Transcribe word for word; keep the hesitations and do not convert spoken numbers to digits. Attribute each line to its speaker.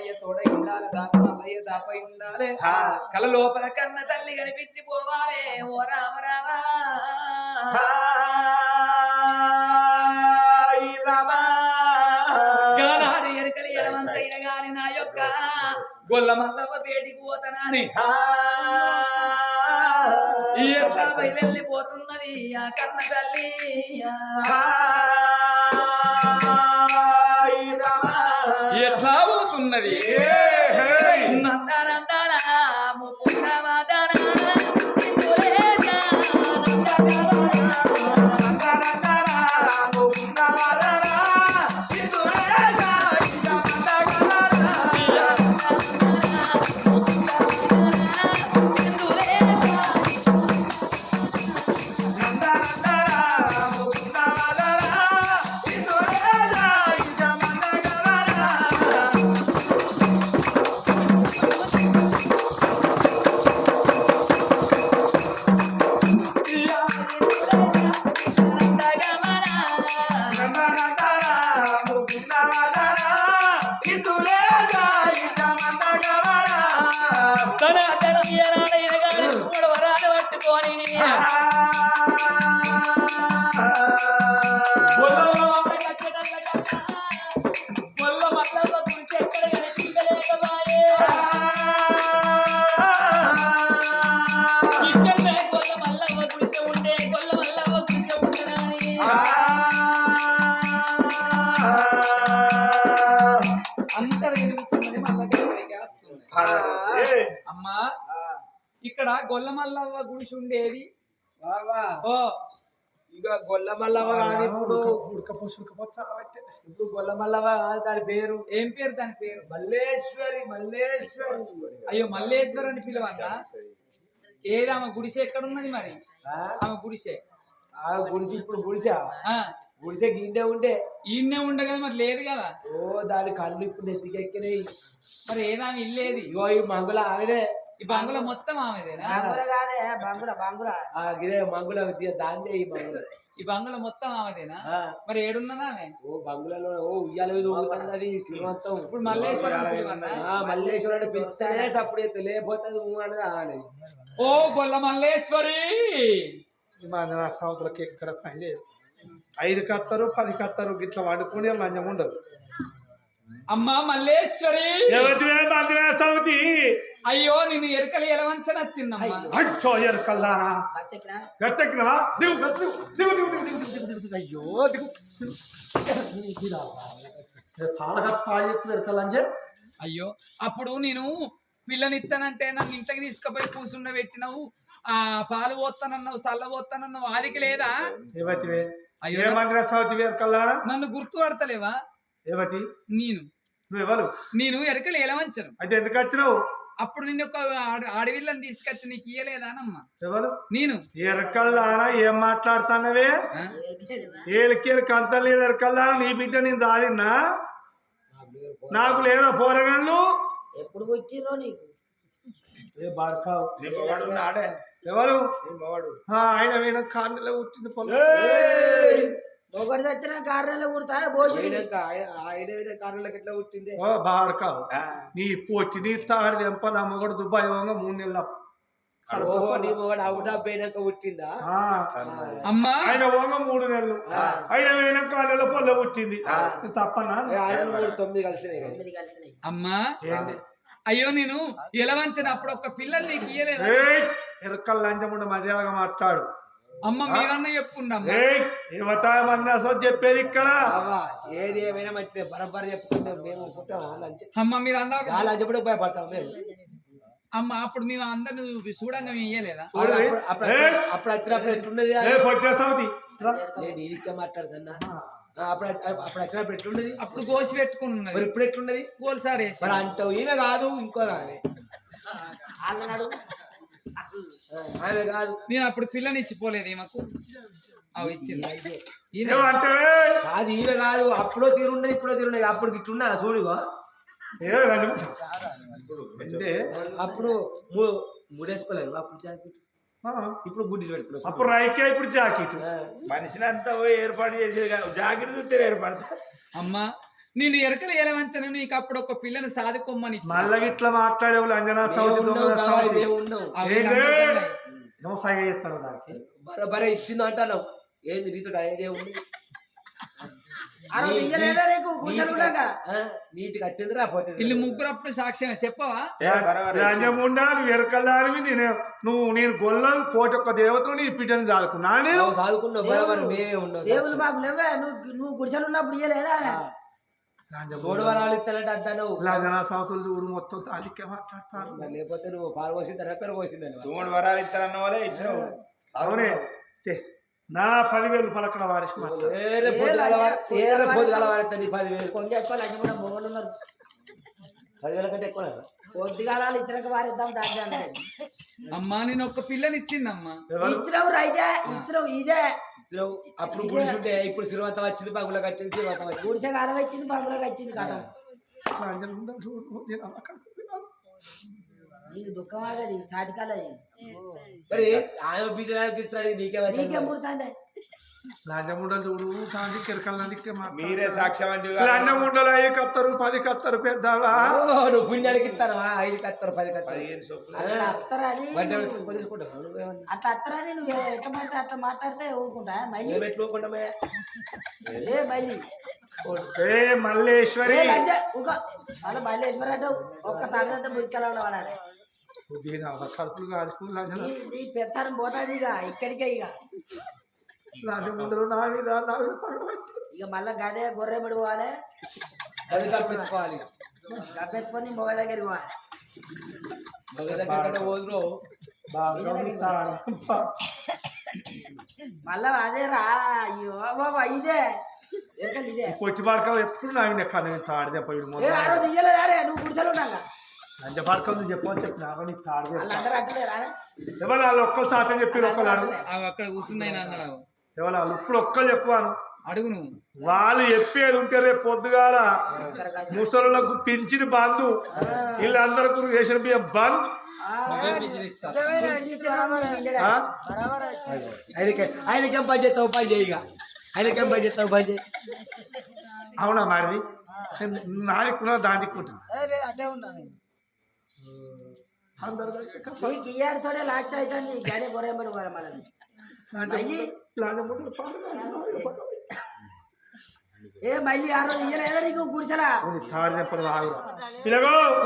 Speaker 1: అయ్య తోడ ఉండాలి దాని మల్లయ్య దాపై ఉండాలి కల లోపల కన్న తల్లి కనిపించి పోవాలే ఓ రామ రామా గానాడు ఎరుకలి ఎలవంతైన గాని నా యొక్క గొల్ల మల్లవ్వ పేటికి పోతనాని ఎట్లా బయలుపోతున్నది ఆ కన్న తల్లి ఎట్లా పోతున్నది నందనందనా ముకుందవదనా అమ్మా ఇక్కడ గొల్ల మల్లవ్వ గుడిసి ఉండేది ఓ
Speaker 2: ఇక గొల్ల మల్లవ్వ కానీ ఇప్పుడు ఇప్పుడు గొల్ల మల్లవ్వ కాదు దాని పేరు
Speaker 1: ఏం పేరు దాని పేరు
Speaker 2: మల్లేశ్వరి మల్లేశ్వరి
Speaker 1: అయ్యో మల్లేశ్వరి అని పిలవన్నా ఏది ఆమె గుడిసె ఎక్కడున్నది మరి ఆమె గుడిసె
Speaker 2: ఆ గుడిసె ఇప్పుడు గుడిసా గుడిసె గిన్నె ఉండే
Speaker 1: ఈయన్నే ఉండే కదా మరి లేదు కదా
Speaker 2: ఓ దాని కళ్ళు ఇప్పుడు నెత్తికెక్కినాయి
Speaker 1: మరి ఏదామె ఇల్లేది
Speaker 2: ఇగో ఈ మంగుల ఆమెనే
Speaker 1: ఈ బంగుల మొత్తం ఆమెదేనా
Speaker 2: గిరే మంగుల దాన్నే ఈ మంగుల
Speaker 1: ఈ బంగుల మొత్తం ఆమెదేనా మరి ఏడున్నదా ఆమె
Speaker 2: ఓ బంగులలో ఓ ఉయ్యాల మీద ఊగుతుంది అది శ్రీమంతం
Speaker 1: ఇప్పుడు మల్లేశ్వరం
Speaker 2: మల్లేశ్వరుడు పిలిస్తేనే అప్పుడు తెలియపోతుంది అని
Speaker 1: ఓ గొల్ల మల్లేశ్వరి
Speaker 3: మన సౌతులకి ఎక్కడ పని లేదు ఐదు కత్తరు పది కత్తరు గిట్ల వండుకుని లంచం ఉండదు
Speaker 1: అమ్మా మల్లేశ్వరి
Speaker 3: సౌతి
Speaker 1: అయ్యో నేను ఎరకలి ఎలవంచ నచ్చిందమ్మా
Speaker 3: అచ్చో ఎరకల్లానా గట్టెక్కినవా దిగు దిగు దిగు దిగు అయ్యో దిగు ఎరకల్లంచే
Speaker 1: అయ్యో అప్పుడు నేను పిల్లనిస్తానంటే నన్ను ఇంటికి తీసుకుపోయి కూర్చుండ పెట్టినావు ఆ పాలు పోస్తానన్నావు చల్ల పోస్తానన్నావు ఆదికి లేదా
Speaker 3: అయ్యో
Speaker 1: నన్ను గుర్తుపడతలేవా
Speaker 3: ఏవతి
Speaker 1: నేను
Speaker 3: నువ్వెవరు
Speaker 1: నేను ఎరకలు ఎలవంచను
Speaker 3: అయితే ఎందుకు వచ్చినావు
Speaker 1: అప్పుడు నిన్ను ఒక అడవిళ్ళని తీసుకొచ్చి నీకు ఇయ్యలేదానమ్మా
Speaker 3: ఎవరు
Speaker 1: నేను
Speaker 3: ఎరకల్లానా ఏం మాట్లాడుతానవే ఏళ్ళకేళ్ళకి అంత లేదు ఎరకల్లానా నీ బిడ్డ నేను దాడినా నాకు లేరా పోరగాళ్ళు
Speaker 2: ఎప్పుడు వచ్చిరో నీకు
Speaker 3: ఎవరు ఆయన పోయిన కార్నెలో కూర్చుంది పొలం
Speaker 2: ఒకటి తెచ్చిన కారణాలు కుడతా భోజనం ఆయన కారణాలకు ఎట్లా పుట్టింది
Speaker 3: బాడకావు నీ పోచి నీ తాడి దెంప నా మొగడు దుబాయ్ పోగా మూడు నెలల
Speaker 2: ఓహో నీ మొగడు అవుట్ ఆఫ్ పోయినాక పుట్టిందా
Speaker 1: అమ్మా
Speaker 3: ఆయన పోగా మూడు నెలలు ఆయన పోయిన కాళ్ళలో పొల్ల పుట్టింది తప్పనా
Speaker 2: మూడు తొమ్మిది కలిసినాయి
Speaker 1: అమ్మా అయ్యో నేను ఎలవంచను అప్పుడు ఒక పిల్లలు నీకు ఇయ్యలేదు
Speaker 3: ఎరకల్ లంచముండ మర్యాదగా మాట్లాడు
Speaker 1: అమ్మ మీరన్నా చెప్పుండమ్మా
Speaker 3: ఏమతామన్నా చెప్పేది ఇక్కడ
Speaker 2: ఏది ఏమైనా మంచిదే బరబర్ చెప్పుకుంటాం మేము
Speaker 1: అమ్మ మీరు అందరూ
Speaker 2: లంచప్పుడు భయపడతాం
Speaker 1: అమ్మ అప్పుడు మేము అందరిని చూడంగా మేము ఇయ్యలేదా
Speaker 2: అప్పుడు వచ్చినప్పుడు ఎట్లున్నది నేను ఇదికే మాట్లాడుతున్నా అప్పుడు అప్పుడు వచ్చినప్పుడు ఎట్లున్నది
Speaker 1: అప్పుడు గోసి పెట్టుకున్నది
Speaker 2: మరి ఇప్పుడు ఎట్లున్నది
Speaker 1: గోల్సాడేసి
Speaker 2: మరి అంటావు ఈయన కాదు ఇంకో కాదు అన్నాడు ఆమె కాదు
Speaker 1: నేను అప్పుడు పిల్లని ఇచ్చిపోలేదు ఈమెకు అవి ఇచ్చింది
Speaker 2: కాదు ఈమె కాదు అప్పుడో తీరున్నది ఇప్పుడో తీరున్నది అప్పుడు ఇట్లున్నా చూడుగో అప్పుడు మూడేసుకోలేదు అప్పుడు జాకెట్ ఇప్పుడు గుడ్డి పెట్టుకున్నావు
Speaker 3: అప్పుడు రైకే ఇప్పుడు జాకెట్
Speaker 4: మనిషిని అంతా ఏర్పాటు చేసేది జాకెట్ చూస్తే ఏర్పడతా
Speaker 1: అమ్మా నేను ఎరకలు ఏలవంచను నీకు అప్పుడు ఒక పిల్లని సాదుకోమ్మని ఇచ్చిన.
Speaker 3: మళ్ళీ ఇట్లా మాట్లాడేవాళ్ళు అంజనా సౌతి దొంగల సౌతి.
Speaker 2: ఉన్నావు
Speaker 1: ఆ
Speaker 3: ఏంటి?
Speaker 1: వీళ్ళందరూ ఉన్నాయి.
Speaker 3: నువ్వు సైగ చేస్తాను దానికి
Speaker 2: బరబరే ఇచ్చింది అంటాను ఏంది నీతో అయ్యేదే ఉంది
Speaker 4: అరవై ఇయ్యలేదా నీకు గుండెలు ఉండగా?
Speaker 2: నీటికి అత్యంత రాపోతుంది
Speaker 1: వీళ్ళు ముగ్గురు అప్పుడు సాక్ష్యమే చెప్పవా?
Speaker 3: లంజముండా నువ్వు ఎరకల్లారివి నేను నువ్వు నేను గొల్లం కోటి ఒక్క దేవతలు నీ బిడ్డని చాలుకున్నా నేను
Speaker 2: చదువుకున్నావు బరాబర్ మేమే ఉన్నావు
Speaker 4: దేవుడు మాకు లేవే నువ్వు నువ్వు గుడిసెలు ఉన్నప్పుడు ఇయ్యలేదా?
Speaker 2: సోడవరాలు ఇస్తానంటే అంటాను
Speaker 3: లంజనా సౌతులు చూడు మొత్తం తాలికే మాట్లాడతారు.
Speaker 2: లేకపోతే నువ్వు పాలు పోసింది రెక్కలు పోసిందని
Speaker 5: తోడు వరాలు ఇస్తారన్న వాళ్ళే ఇచ్చినావు.
Speaker 3: అవునే తే, నా పదివేలు పలకడ వారిసి మాట్లాడు.
Speaker 2: ఏరే పొద్దుగాల వారి- ఏరే పొద్దుగాల వారెత్తా నీ పదివేలు
Speaker 4: కొంచెం ఎక్కువ లగ్గి కూడా మొగలు ఉన్నారు.
Speaker 2: పదివేల కంటే ఎక్కువ
Speaker 4: పొద్దుగాలాలు ఇతరకు వారిద్దాం దాన్ని అన్నాడు.
Speaker 1: అమ్మా నేను ఒక పిల్లని ఇచ్చిందమ్మా.
Speaker 3: ఎవరు?
Speaker 4: ఇచ్చినావు రైటే ఇచ్చినావు ఇదే
Speaker 2: అప్పుడు గుడిచుంటే ఇప్పుడు శ్రీమంతం వచ్చింది పగుల కట్టింది శ్రీమంతం వచ్చింది
Speaker 4: గుడిసె కాలం వచ్చింది బంగులకు వచ్చింది కదా.
Speaker 3: లంజముండా చూడు నేను అక్కడ
Speaker 4: నీకు దుఃఖం ఆగది సాటికాలది
Speaker 2: మరి ఆయన బిడ్డ ఇస్తున్నాడు నీకేమైతే
Speaker 4: నీకే ముడుతాండే.
Speaker 3: లంజముండలు చూడు సాంతి కిరకల్లాంటికే
Speaker 5: మీరే సాక్ష్యం అంటే
Speaker 3: లంజముండలు అయ్యి కత్తరు పది కత్తరు పెద్దవా
Speaker 2: నువ్వు పుణ్యానికి ఇస్తానవా ఐదు కత్తరు పది కత్తరు
Speaker 5: పదిహేను చొప్పున
Speaker 4: అట్లా అత్తరని
Speaker 2: తీసుకుంటాను నువ్వేమన్నా
Speaker 4: అట్లా అత్తరని నువ్వు ఎట్టమంటే అట్లా మాట్లాడితే ఊరుకుంటా మళ్ళీ
Speaker 2: మేము ఎట్లు ఊరుకుంటామే
Speaker 4: ఏ మళ్ళీ
Speaker 3: ఏ మల్లేశ్వరి
Speaker 4: ఏ లంజ ఊక వాళ్ళు మల్లేశ్వర అంటే ఒక్క తండ్రి మురికెలా వాడాలి.
Speaker 3: దీని కడుపులు కాదు లంజన
Speaker 4: నీ నీ పెత్తనం పోతుంది ఇక ఇక్కడికే ఇక
Speaker 3: లంజముండలు నా మీద నా మీద పడబట్టి.
Speaker 4: ఇక మళ్ళా గదే గొర్రె ముడి పోవాలి
Speaker 2: అది కప్పెత్తుకోవాలి
Speaker 4: గప్పెత్తుకొని మొగ దగ్గరికి పోవాలి.
Speaker 2: మగ దగ్గర పోదురు
Speaker 3: బాగా ఉంటాడు.
Speaker 4: మళ్ళా అదే రా అయ్యో బాబా ఇదే ఎరకలు ఇదే
Speaker 3: పొచ్చి పడక ఎప్పుడు నాయన కన్నా తాడిదే పోయి
Speaker 4: ఏ ఆ రోజు ఇయ్యలేదా రే నువ్వు గుడిసెలు ఉన్నాగా
Speaker 3: లంజ పడక నువ్వు చెప్పని చెప్పిన నీకు తాడిదే
Speaker 4: వాళ్ళందరూ అట్టలేరా
Speaker 3: ఎవరు వాళ్ళు ఒక్కరు సాధ్యం చెప్పి ఒక్కరు అడుగు
Speaker 1: అవి అక్కడ కూర్చున్నాయి అన్నాడు.
Speaker 3: ఎవరు వాళ్ళు ఇప్పుడు ఒక్కరు చెప్పాను
Speaker 1: అడుగు నువ్వు.
Speaker 3: వాళ్ళు చెప్పేది ఉంటే రేపు పొద్దుగాల ముసలులకు పింఛని బంధు వీళ్ళందరికీ రేషన్ బియ్యం బంద్. ఆ?
Speaker 2: ఆయనకి ఆయనకేం పని చేస్తావు పని చేయి ఇక ఆయనకేం పని చేస్తావు పని చేయి
Speaker 3: అవునా మారిది నాదిక్కున్నా దాని దిక్కుంటా అందరు
Speaker 4: నీకు ఇయ్యాడితోనే లాస్ట్ అవుతుంది గడే గొర్రె ముడి పోవాలి మళ్ళీ ఏ మళ్ళీ ఆ రోజు ఇయ్యలేదా నీకు గుడిసెలా
Speaker 3: తాడి చెప్పరు ఆగురా. ఇలాగో